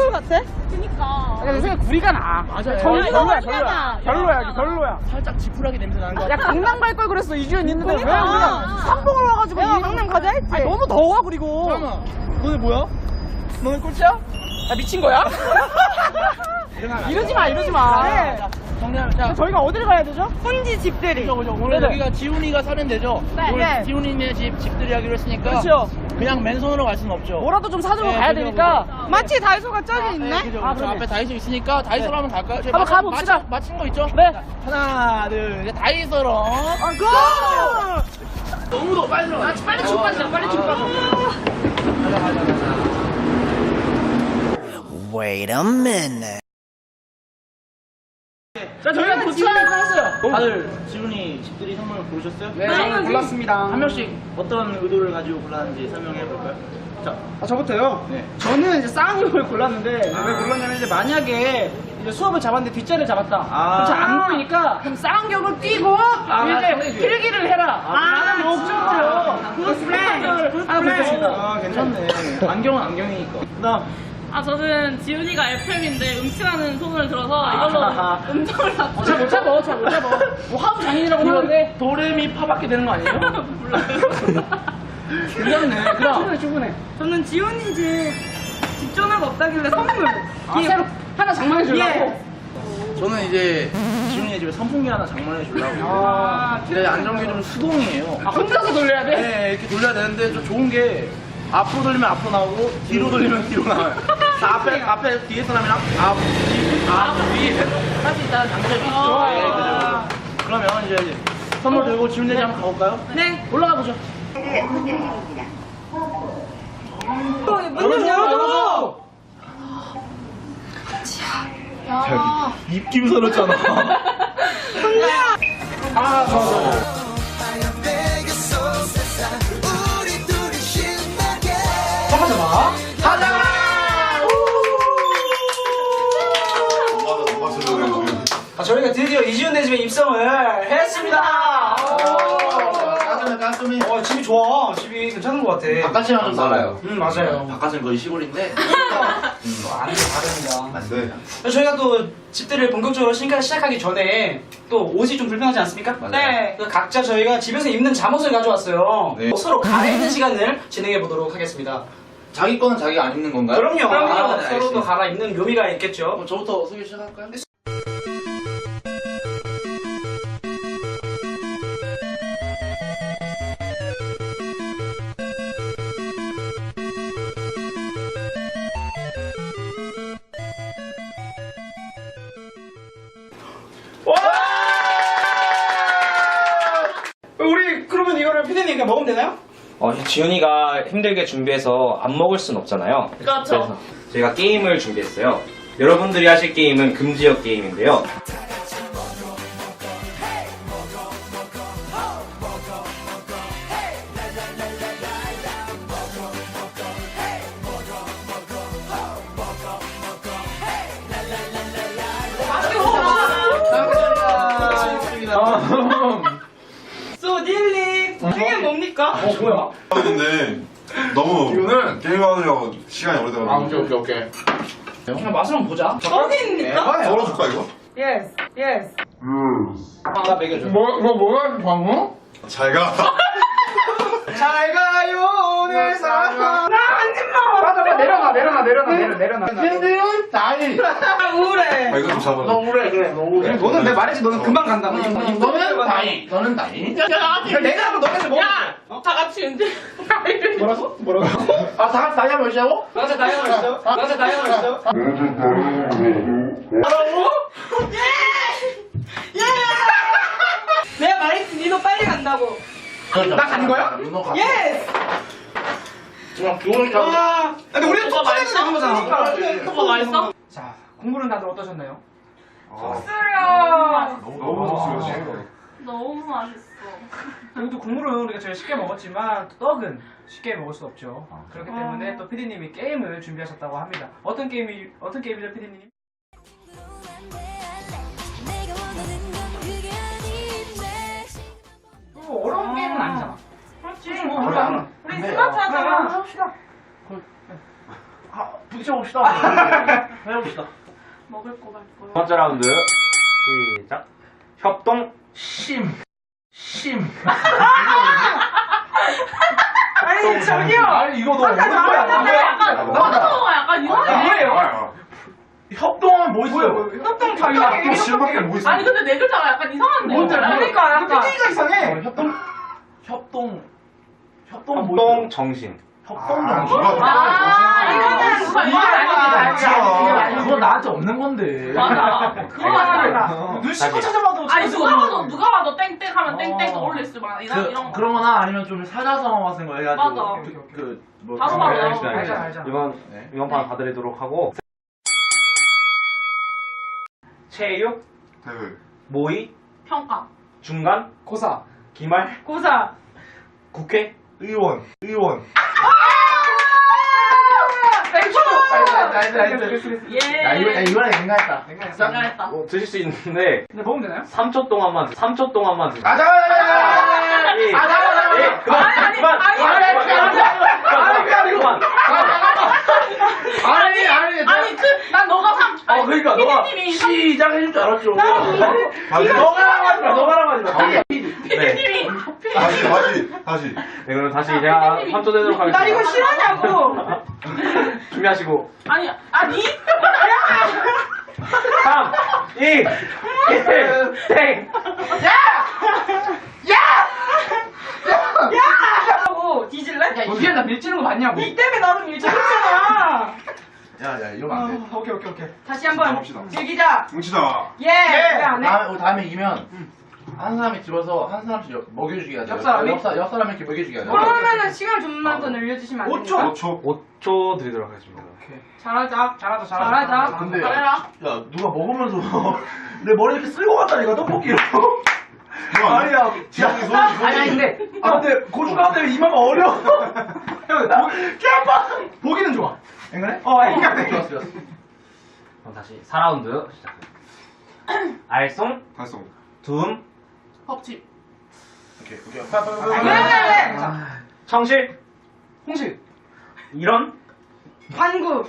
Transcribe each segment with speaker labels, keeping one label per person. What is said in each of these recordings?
Speaker 1: 아이돌 같아?
Speaker 2: 그니까.
Speaker 3: 내 생각에 구리가 나.
Speaker 2: 맞아요.
Speaker 3: 별로야.
Speaker 2: 살짝 지푸라기 냄새 나는 거
Speaker 3: 야, 강남 갈 걸 그랬어, 이주연 있는데. 왜
Speaker 1: 그러니까.
Speaker 3: 우리가 삼봉을 와가지고.
Speaker 1: 내가 강남 가자 했지.
Speaker 3: 아니, 너무 더워, 그리고.
Speaker 2: 잠깐만. 너네 뭐야? 너네 꼴찌야?
Speaker 3: 야, 미친 거야? 이러지 마, 이러지 마.
Speaker 1: 네.
Speaker 2: 정리하면 자.
Speaker 3: 저희가 어디를 가야 되죠?
Speaker 1: 혼지 집들이.
Speaker 2: 그죠. 오늘 여기가 지훈이가 사는 데죠?
Speaker 1: 네.
Speaker 2: 오늘
Speaker 1: 네.
Speaker 2: 지훈이네 집들이 하기로 했으니까.
Speaker 3: 그렇죠.
Speaker 2: 그냥 맨손으로 갈 수는 없죠.
Speaker 3: 뭐라도 좀 사주고
Speaker 2: 네,
Speaker 3: 가야
Speaker 2: 그죠,
Speaker 3: 되니까.
Speaker 1: 마치 다이소가 저기 있네?
Speaker 2: 그죠.
Speaker 3: 아,
Speaker 2: 저
Speaker 3: 그러네.
Speaker 2: 앞에 다이소 있으니까 다이소로 한번 갈까요? 저희
Speaker 3: 한번 가봅시다.
Speaker 2: 맞힌 거 있죠?
Speaker 3: 네.
Speaker 2: 자, 하나, 둘, 셋. 다이소로.
Speaker 1: 고!
Speaker 2: 너무 더워. 빨리 들어가.
Speaker 3: 빨리 출발하자, 빨리 출발하자.
Speaker 2: 가자.
Speaker 4: Wait a minute.
Speaker 3: 자, 저희가 도착했어요.
Speaker 2: 다들 지훈이 집들이 선물 고르셨어요?
Speaker 3: 네, 저는 골랐습니다.
Speaker 2: 한 명씩 어떤 의도를 가지고 골랐는지 설명해 볼까요? 자,
Speaker 3: 저부터요?
Speaker 2: 네.
Speaker 3: 저는 이제 쌍용을 골랐는데, 왜 골랐냐면, 이제 만약에 이제 수업을 잡았는데 뒷자리를 잡았다. 그럼 잘 안 보이니까, 그럼 쌍용을 끼고, 이제 필기를 해라. 라는 목적으로, 그 플랜을 하나 골랐습니다.
Speaker 2: 아, 괜찮네. 안경은 안경이니까. 그다음
Speaker 5: 아, 저는 지훈이가 FM인데 음치라는 소문을 들어서 이걸로 음정을 다
Speaker 3: 못 잡아. 뭐 하부 장인이라고 하는데.
Speaker 2: 도레미 파밖에 되는 거 아니에요?
Speaker 3: 괜찮네. 그럼. 충분해.
Speaker 1: 저는 지훈이 집 전화가 없다길래 선물.
Speaker 3: 새로 하나 장만해 주려고.
Speaker 2: 저는 이제 지훈이 집에 선풍기 하나 장만해 주려고. 근데 안정기 좀 수동이에요.
Speaker 3: 혼자서 돌려야 돼?
Speaker 2: 네, 이렇게 돌려야 되는데 좀 좋은 게 앞으로 돌리면 앞으로 나오고 뒤로 돌리면 뒤로 나와요. 앞에 뒤에 사람이랑 앞, 뒤 할 수 있다는 장점이 있죠. 네, 그죠. 그러면 이제 선물 들고 지훈이 집 한번 가볼까요?
Speaker 1: 네.
Speaker 3: 올라가 보죠.
Speaker 1: 문 좀 열어줘.
Speaker 2: 입 김서렸잖아.
Speaker 3: 저희가 드디어 이지훈네 집에 입성을 했습니다.
Speaker 2: 가슴이
Speaker 3: 집이 좋아. 집이 괜찮은 것 같아.
Speaker 2: 바깥이랑 좀 달라요.
Speaker 3: 맞아요.
Speaker 2: 바깥은 거의 시골인데
Speaker 3: 완전 다릅니다.
Speaker 6: 안 돼.
Speaker 3: 저희가 또 집들이를 본격적으로 시작하기 전에 또 옷이 좀 불편하지 않습니까?
Speaker 1: 네.
Speaker 3: 그래서 각자 저희가 집에서 입는 잠옷을 가져왔어요.
Speaker 6: 네.
Speaker 3: 서로 갈아입는 시간을 진행해 보도록 하겠습니다.
Speaker 6: 자기 거는 자기가 안 입는 건가요?
Speaker 3: 그럼요.
Speaker 6: 아, 네,
Speaker 3: 서로도
Speaker 6: 알겠습니다.
Speaker 3: 갈아입는 묘미가 있겠죠.
Speaker 2: 그럼 저부터 소개 시작할까요?
Speaker 3: 우리 그러면 이거를 피디님 그냥 먹으면 되나요?
Speaker 7: 지훈이가 힘들게 준비해서 안 먹을 순 없잖아요.
Speaker 5: 그렇죠.
Speaker 7: 그래서 저희가 게임을 준비했어요. 여러분들이 하실 게임은 금지역 게임인데요.
Speaker 1: 소딜리. 이게 뭡니까?
Speaker 3: 뭐야?
Speaker 6: 근데 너무 게임하느라고 시간이 오래돼가지고.
Speaker 2: 오케이.
Speaker 3: 그냥 맛을 한번 보자.
Speaker 1: 어디입니까?
Speaker 6: 썰어줄까 이거?
Speaker 1: 예스, 예스.
Speaker 3: 나 먹여줘.
Speaker 2: 뭐야 방금?
Speaker 6: 잘 가.
Speaker 3: 잘 가요 오늘 사랑. 맞아 내려놔.
Speaker 2: 힘들은 나이.
Speaker 1: 아, 우울해.
Speaker 6: 이거 좀 잡아.
Speaker 2: 너 우울해 그래 너 우울해.
Speaker 3: 너는 내가 말했지 너는 금방 간다고.
Speaker 2: 너는 나이. 너는 나이.
Speaker 3: 내가 한번 너네들 먹어.
Speaker 5: 다 같이 이제
Speaker 3: 뭐라고?
Speaker 2: 아 다 같이 나이 한번 시작하고?
Speaker 3: 나한테 다이어가 있어? 나한테 다이어가 있어?
Speaker 1: 내가 말했지, 니도 빨리 간다고.
Speaker 3: 나 가는 거야?
Speaker 1: 예스.
Speaker 2: 그냥 좋으니까.
Speaker 3: 근데 우리는 토크에서 나간 거잖아.
Speaker 5: 오빠 맛있어?
Speaker 3: 자, 공부는 다들 어떠셨나요?
Speaker 1: 수려.
Speaker 6: 너무 좋지.
Speaker 5: 너무 맛있어.
Speaker 3: 그래도 국물은 우리가 제일 쉽게 먹었지만 떡은 쉽게 먹을 수 없죠. 그렇기 때문에 또 PD님이 게임을 준비하셨다고 합니다. 어떤 게임이죠, PD님? 어려운 게임은 아니잖아.
Speaker 1: 그렇지.
Speaker 3: 우리
Speaker 1: 우리 스마트하잖아.
Speaker 3: 합시다. 부딪혀봅시다.
Speaker 2: 해봅시다. 해봅시다.
Speaker 5: 먹을 거 갈 거야.
Speaker 7: 두 번째 라운드 시작. 협동.
Speaker 2: 심.
Speaker 1: 아니 저기요.
Speaker 2: 아니 이거 너무 어려운 거야.
Speaker 5: 약간 이상해.
Speaker 2: 뭐예요? 협동은 뭐 있어요?
Speaker 1: 협동 달라.
Speaker 6: 실밖에 뭐 있어?
Speaker 5: 아니 근데 내 글자가 약간 이상한데.
Speaker 1: 그러니까 약간
Speaker 3: PK가 이상해.
Speaker 2: 협동 뭐
Speaker 7: 협동
Speaker 2: 있어요?
Speaker 7: 정신.
Speaker 2: 협동
Speaker 6: 아,
Speaker 2: 정신.
Speaker 1: 이거는
Speaker 2: 그거 나한테 없는 건데.
Speaker 5: 맞아. 그거 맞아.
Speaker 3: 눈 씻고 찾아봐도
Speaker 5: 아니 누가 봐도 땡땡 하면 땡땡 떠올릴 수 많아. 이런 거.
Speaker 2: 그런 거나 아니면 좀 사자성어 같은 거 해가지고.
Speaker 5: 맞아.
Speaker 2: 뭐.
Speaker 5: 바로 바로
Speaker 7: 네,
Speaker 5: 나오고.
Speaker 3: 알자.
Speaker 7: 이번 판 봐드리도록 하고. 체육.
Speaker 6: 대회.
Speaker 7: 모의.
Speaker 5: 평가.
Speaker 7: 중간.
Speaker 3: 고사.
Speaker 7: 기말.
Speaker 1: 고사.
Speaker 7: 국회.
Speaker 6: 의원.
Speaker 5: 예.
Speaker 2: 이번에 냉가했다.
Speaker 5: 잘했다.
Speaker 7: 드실 수 있는데
Speaker 3: 근데 먹으면 되나요?
Speaker 7: 3초 동안만. 3초 동안만. 드세요.
Speaker 2: 가자.
Speaker 7: 예. 예, 그만.
Speaker 5: 아니 난 너가
Speaker 7: 그러니까 너가
Speaker 5: PD님이
Speaker 2: 시작해줄 줄 알았죠. 너가랑 하지 마.
Speaker 5: PD님이
Speaker 6: 다시.
Speaker 7: 네, 그럼 다시 제가 3초 되도록 하겠습니다.
Speaker 1: 나 이거 싫어하냐고.
Speaker 7: 준비하시고.
Speaker 5: 아니
Speaker 7: 3, 2, 1, 땡!
Speaker 1: 하고 뒤질래?
Speaker 3: 야, 이게 나 밀치는 거 맞냐고.
Speaker 1: 이 때문에 나도 밀쳐줬잖아.
Speaker 2: 야, 이러면 안 돼.
Speaker 3: 오케이.
Speaker 1: 다시 한번
Speaker 6: 갑시다.
Speaker 1: 즐기자.
Speaker 6: 뭉치자.
Speaker 1: 예. 왜안 해?
Speaker 2: 다음에 이기면 한 사람이 집어서 한 사람씩 먹여주기 하자.
Speaker 3: 옆 사람이?
Speaker 2: 옆 사람이 이렇게 먹여주기 하자.
Speaker 1: 그러면은 시간 좀만 더 늘려주시면 안 됩니까?
Speaker 6: 5초.
Speaker 7: 5초 드리도록 하겠습니다.
Speaker 1: 잘하자.
Speaker 3: 잘하자.
Speaker 2: 근데
Speaker 5: 잘해라.
Speaker 2: 야 누가 먹으면서 내 머리 이렇게 쓸고 갔다니까 떡볶이로.
Speaker 6: 아니야. 지향이 손이
Speaker 3: 아니 근데
Speaker 2: 근데 고추 가운데 이마가 어려.
Speaker 3: 형 보기는 좋아.
Speaker 2: 앵간해?
Speaker 3: 앵간해.
Speaker 2: 좋았어.
Speaker 7: 그럼 다시 4라운드 시작합니다. 알쏭,
Speaker 6: 달성.
Speaker 7: 둠,
Speaker 5: 법칙.
Speaker 2: 오케이.
Speaker 1: 왜?
Speaker 7: 청실,
Speaker 3: 홍실.
Speaker 7: 이런,
Speaker 1: 반구.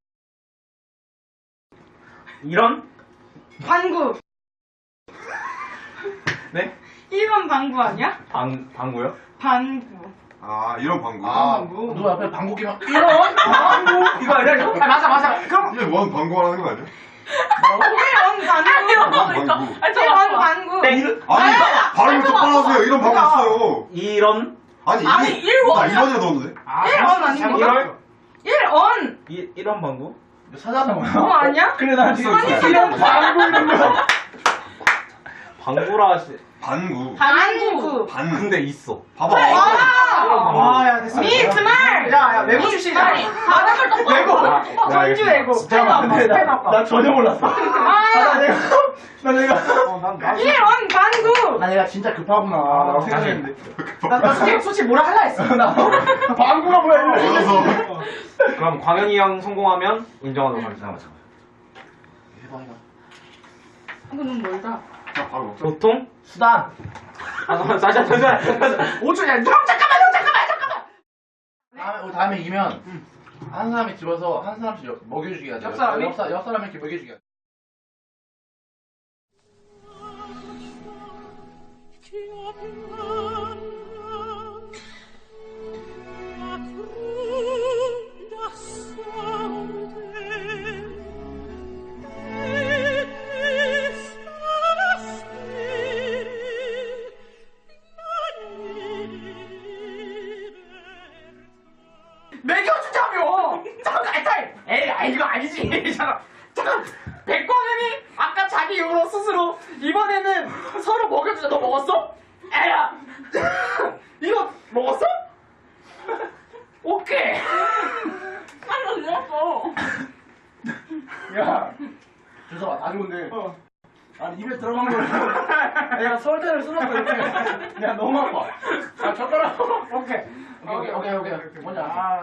Speaker 7: 네?
Speaker 1: 1번 방구 아니야?
Speaker 7: 방구요?
Speaker 1: 반구.
Speaker 6: 아, 이런 방구.
Speaker 2: 누가 옆에 방구 끼면
Speaker 3: 이런 방구 이거 아니야 이거? 맞아. 그럼
Speaker 6: 이게 뭔 방구 하는 거 아니야?
Speaker 1: 1번 반구.
Speaker 6: 방구.
Speaker 1: 1번 반구.
Speaker 7: 땡!
Speaker 6: 아니, 발음을 똑바로 하세요. 이런 방구 있어요.
Speaker 7: 이런,
Speaker 6: 아니,
Speaker 5: 아니,
Speaker 6: 이게.
Speaker 5: 일본.
Speaker 6: 나 이번에 넣었는데?
Speaker 1: 1번 아니고.
Speaker 7: 이런,
Speaker 1: 1원.
Speaker 7: 이런 방구?
Speaker 2: 사자성어.
Speaker 1: 그거 아니야?
Speaker 3: 그래 나 지금
Speaker 1: 아니,
Speaker 3: 이런 방구 이런 거.
Speaker 7: 방구라 하시,
Speaker 6: 반구.
Speaker 1: 반구.
Speaker 6: 반구.
Speaker 7: 근데 있어.
Speaker 6: 봐봐.
Speaker 3: 아야 됐어.
Speaker 1: 미트 말.
Speaker 3: 야 외국 출신이야.
Speaker 5: 바닥을 떡
Speaker 3: 외국.
Speaker 1: 전주 외고.
Speaker 3: 근데 나 전혀 몰랐어.
Speaker 1: 아,
Speaker 3: 나 내가
Speaker 1: 1원 반구.
Speaker 3: 나 내가 진짜 급하구나 라고 생각했는데 나 솔직히 뭐라 할라 했어 나 방구가 뭐야 이러면서
Speaker 6: 알아서.
Speaker 7: 그럼 광현이 형 성공하면 인정하도록 하겠습니다.
Speaker 1: 이거 너무 멀다.
Speaker 6: 자, 바로 먹자.
Speaker 7: 교통,
Speaker 2: 수단.
Speaker 7: 다시.
Speaker 3: 5초 야 형 잠깐만
Speaker 2: 다음에 이기면 한 사람이 집어서 한 사람씩 먹여주기 하자.
Speaker 3: 옆 사람이?
Speaker 2: 옆 사람이 이렇게 먹여주기 하자.
Speaker 3: 먹여주자며 잠깐 타임 에이 이거 아니지 잠깐 백광현이 아까 자기 입으로 스스로 이번에는 서로 먹여주자 너 먹었어? 에야 이거 먹었어? 오케이
Speaker 5: 깜짝 놀랐어.
Speaker 3: 야
Speaker 2: 주서봐, 다 좋은데.
Speaker 3: 아니 입에 들어간 거를 내가 설대를 쏟았어 이렇게 야 너무 아파 아 젓가락 오케이
Speaker 2: 오케이. 먼저.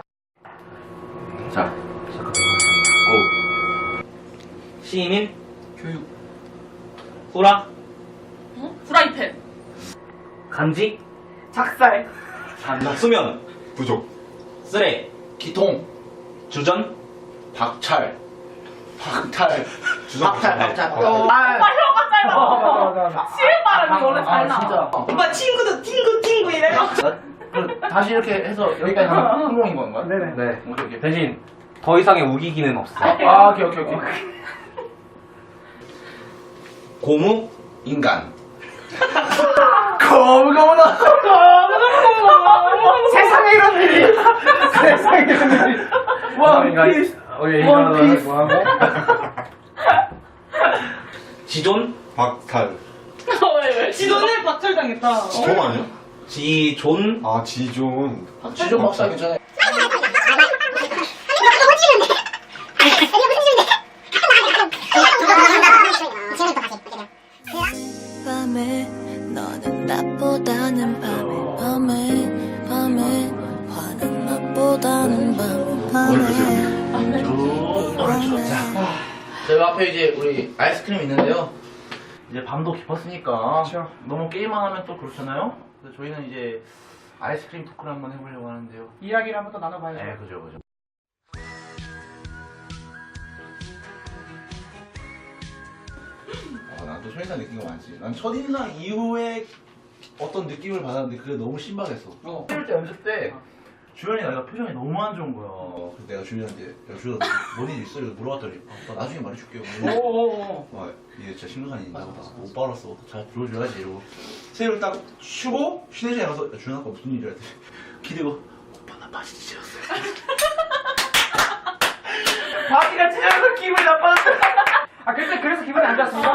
Speaker 2: 자,
Speaker 7: 시작하도록 하겠습니다. 시민,
Speaker 2: 교육.
Speaker 7: 후라,
Speaker 5: 프라이팬.
Speaker 7: 간지,
Speaker 1: 작살.
Speaker 7: 수면,
Speaker 6: 부족.
Speaker 7: 쓰레,
Speaker 2: 기통.
Speaker 7: 주전,
Speaker 2: 박철. 박탈.
Speaker 6: 주석
Speaker 2: 박탈.
Speaker 5: 오빠 혀가 짧아. 시은 발음이 원래 잘 나.
Speaker 2: 진짜.
Speaker 1: 오빠 친구도 팅구 이래.
Speaker 2: 다시 이렇게 해서 여기까지 하면 성공인 건가요?
Speaker 3: 네네.
Speaker 7: 네.
Speaker 2: 오케이.
Speaker 7: 대신 더 이상의 우기기는 없어.
Speaker 2: 아, 오케이.
Speaker 7: 고무?
Speaker 2: 인간. 거무거무나.
Speaker 3: 세상에 이런 일이. 세상에 이런 일이. 원피스. 원피스.
Speaker 7: 지존?
Speaker 6: 박탈.
Speaker 5: 왜?
Speaker 1: 지도는 박탈당했다.
Speaker 6: 지존 아니야?
Speaker 7: 지존?
Speaker 6: 아, 지존.
Speaker 2: 지존 박사 괜찮아요.
Speaker 8: 밤에 너는 나보다는 밤에 화는 나보다는 밤에
Speaker 2: 저희 앞에 이제 우리 아이스크림 있는데요. 이제 밤도 깊었으니까
Speaker 3: 그렇죠.
Speaker 2: 너무 게임만 하면 또 그렇잖아요. 그래서 저희는 이제 아이스크림 토크를 한번 해보려고 하는데요.
Speaker 3: 이야기를 한번 더 나눠봐야죠.
Speaker 2: 네, 그죠. 난 또 첫인상 느낀 거 많지. 난 첫인상 이후에 어떤 느낌을 받았는데 그게 너무 신박했어. 할 때 연습 때 주현이 내가 표정이 너무 안 좋은 거야. 그래서 내가 주현이한테 야 주현 뭔일 있어? 이러고 물어봤더니 나 나중에 말해줄게요.
Speaker 3: 오오오.
Speaker 2: 와 이게 진짜 심각한 일인가 보다. 오빠로서 잘 들어줘야지 이러고 새해를 딱 쉬고 쉬는 시간에 가서 야 주현 아까 무슨 일이야? 했더니 기대고 오빠 나 바지 찢었어요.
Speaker 3: 바지가 찢어서 기분이 나빠졌어. 아 그때 그래서 기분이 안 좋았습니다.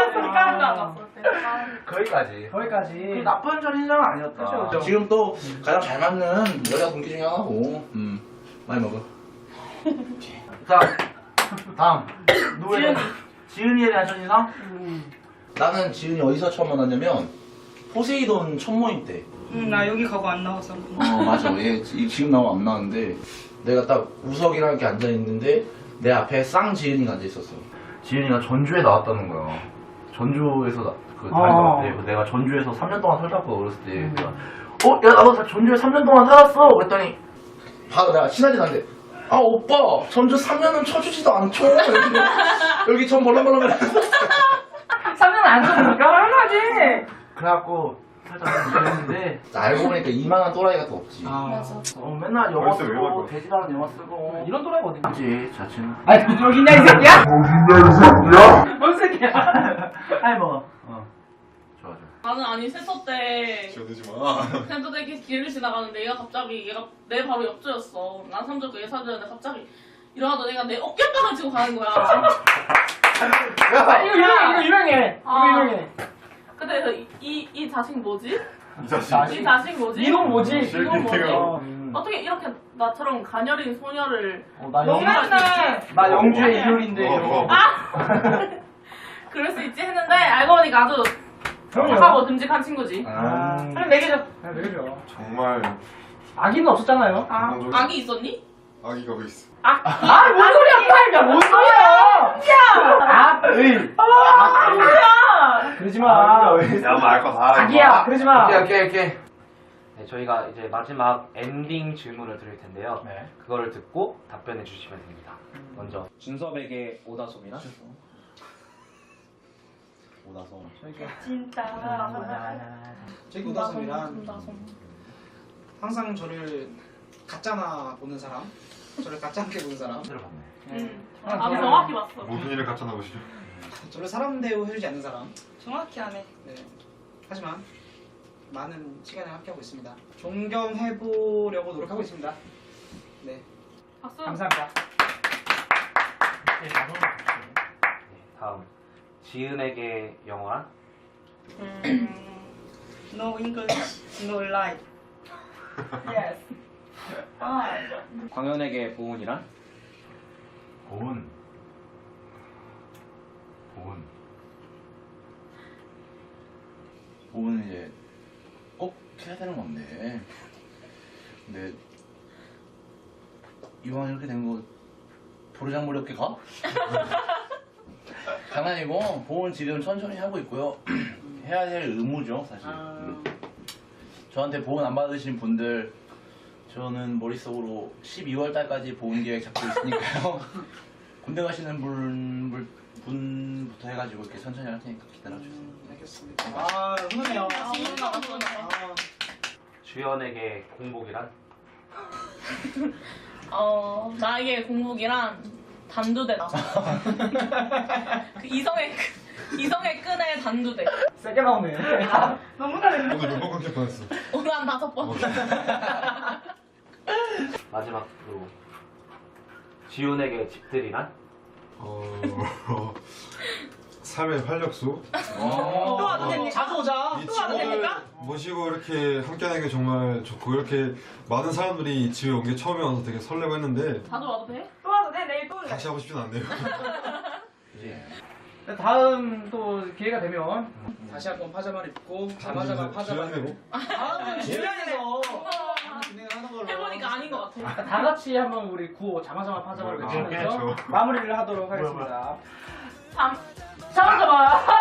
Speaker 2: 거기까지.
Speaker 3: 거기까지.
Speaker 2: 나쁜 첫인상은 아니었다.
Speaker 3: 그쵸.
Speaker 2: 지금 또 가장 잘 맞는 여자 동기 중에 하나고. 많이 먹어. 자, 다음. 누구의 지은이에 대한 첫인상? 나는 지은이 어디서 처음 만났냐면 포세이돈 첫 모임 때.
Speaker 1: 나 여기 가고 안 나왔어.
Speaker 2: 맞아. 얘 지금 나오면 안 나왔는데 내가 딱 우석이랑 이렇게 앉아 있는데 내 앞에 쌍지은이가 앉아 있었어. 지은이가 전주에 나왔다는 거야. 전주에서 다니다가 내가 전주에서 3년 동안 살았고 어렸을 때 내가 야 나도 전주에 3년 동안 살았어. 그랬더니 바로 내가 친하진 않은데 아 오빠 전주 3년은 쳐주지도 않죠. 여기 전 벌렁벌렁거려.
Speaker 3: 3년 안 줬으니까 얼마지?
Speaker 2: 그래갖고 살짝 그랬는데 알고 보니까 이만한 또라이 같은 거 없지.
Speaker 3: 맞아.
Speaker 2: 맨날 영화
Speaker 6: 벌써 왜
Speaker 2: 쓰고
Speaker 6: 말고?
Speaker 2: 돼지라는 영화 쓰고
Speaker 3: 이런 또라이가 어디
Speaker 2: 그지 자체는.
Speaker 3: 아니 여기 있냐 이 새끼야? 뭔 새끼야? 아니 뭐.
Speaker 2: 좋아.
Speaker 5: 나는 아니 세터 때
Speaker 6: 지어내지 마.
Speaker 5: 그냥 이렇게 길을 지나가는데 얘가 내 바로 옆조였어. 난 삼적 예사주였는데 갑자기 일어나도 내가 내 어깨빵을 치고 가는 거야.
Speaker 3: 이거 유명해.
Speaker 5: 아.
Speaker 3: 이거 유명해.
Speaker 5: 근데 그래서 이 자식 뭐지?
Speaker 6: 이 자식.
Speaker 5: 이 자식 뭐지?
Speaker 3: 이놈 뭐지?
Speaker 5: 이놈 뭐지?
Speaker 6: 어.
Speaker 5: 어떻게 이렇게 나처럼 가녀린 소녀를
Speaker 3: 나
Speaker 5: 용납할 수 있지?
Speaker 3: 나 영주의 이효리인데
Speaker 6: 어,
Speaker 3: 이러고.
Speaker 6: 어.
Speaker 5: 그럴 수 있지 했는데 알고 보니까 아주
Speaker 3: 그럼요.
Speaker 5: 착하고 듬직한 친구지.
Speaker 3: 그럼 내게죠. 내게죠.
Speaker 6: 정말
Speaker 3: 아기는 없었잖아요.
Speaker 5: 아기 있었니?
Speaker 6: 아기가 왜 있어?
Speaker 3: 뭔 소리야, 팔가 뭔 소리야? 그러지 마.
Speaker 6: 야, 말거 다.
Speaker 3: 아기야, 그러지 마.
Speaker 2: 오케이.
Speaker 7: 네, 저희가 이제 마지막 엔딩 질문을 드릴 텐데요.
Speaker 3: 네.
Speaker 7: 그거를 듣고 답변해 주시면 됩니다. 먼저 준섭에게 오다솜이나
Speaker 2: 오다솜.
Speaker 5: 진짜.
Speaker 3: 저기 우다솜이란 항상 저를 가짜나 보는 사람, 저를 가짜게 보는 사람,
Speaker 5: 아주 정확히 봤어.
Speaker 6: 무슨 일을 갖다 나오시죠?
Speaker 3: 저를 사람 대우 해주지 않는 사람.
Speaker 1: 정확히 하네.
Speaker 3: 네. 하지만 많은 시간을 함께하고 있습니다. 존경해보려고 노력하고 있습니다. 네.
Speaker 5: 박수.
Speaker 3: 감사합니다.
Speaker 7: 네, 다음 지은에게 영화
Speaker 1: No English, no life. Yes.
Speaker 7: 광현에게 보은이란
Speaker 2: 보은 이제 꼭 해야 되는 건데. 근데 이왕 이렇게 된 거 보르장머리 없게 가? 장난이고 보은 지금 천천히 하고 있고요. 해야 될 의무죠 사실. 저한테 보은 안 받으신 분들 저는 머릿속으로 12월 달까지 보험 계획 잡고 있으니까요. 군대 가시는 분부터 해가지고 이렇게 천천히 할 테니까 기다려주세요.
Speaker 3: 알겠습니다. 아, 훈훈해요.
Speaker 7: 주연에게 공복이란?
Speaker 5: 나에게 공복이란 단두대다. 그 이성의 끈의 단두대.
Speaker 3: 세게 나오네.
Speaker 1: 너무 잘했네.
Speaker 6: 오늘 몇번 끊길 뻔했어.
Speaker 5: 오늘 한 5번.
Speaker 7: 마지막으로 지훈에게 집들이란?
Speaker 6: 삶의 활력소.
Speaker 1: 또 와도 됩니까?
Speaker 3: 자주 오자.
Speaker 6: 이
Speaker 1: 또 와도
Speaker 6: 집을
Speaker 1: 됩니까?
Speaker 6: 모시고 이렇게 함께하는 게 정말 좋고 이렇게 많은 사람들이 이 집에 온 게 처음이어서 되게 설레고 했는데
Speaker 5: 자주 와도 돼?
Speaker 1: 또 와도 돼? 내일 또 올래.
Speaker 6: 다시 하고 싶진 않네요.
Speaker 3: 다음 또 기회가 되면 다시 한번 파자마를 입고 자마자마 파자마를
Speaker 6: 주연으로?
Speaker 3: 다음 주연에서 진행을 하는 걸로
Speaker 5: 해보니까 아닌 것 같아.
Speaker 3: 다 같이 한번 우리 구호 자마자마 파자마를 외치면서
Speaker 6: 그렇죠.
Speaker 3: 마무리를 하도록 하겠습니다.
Speaker 5: 잠깐만.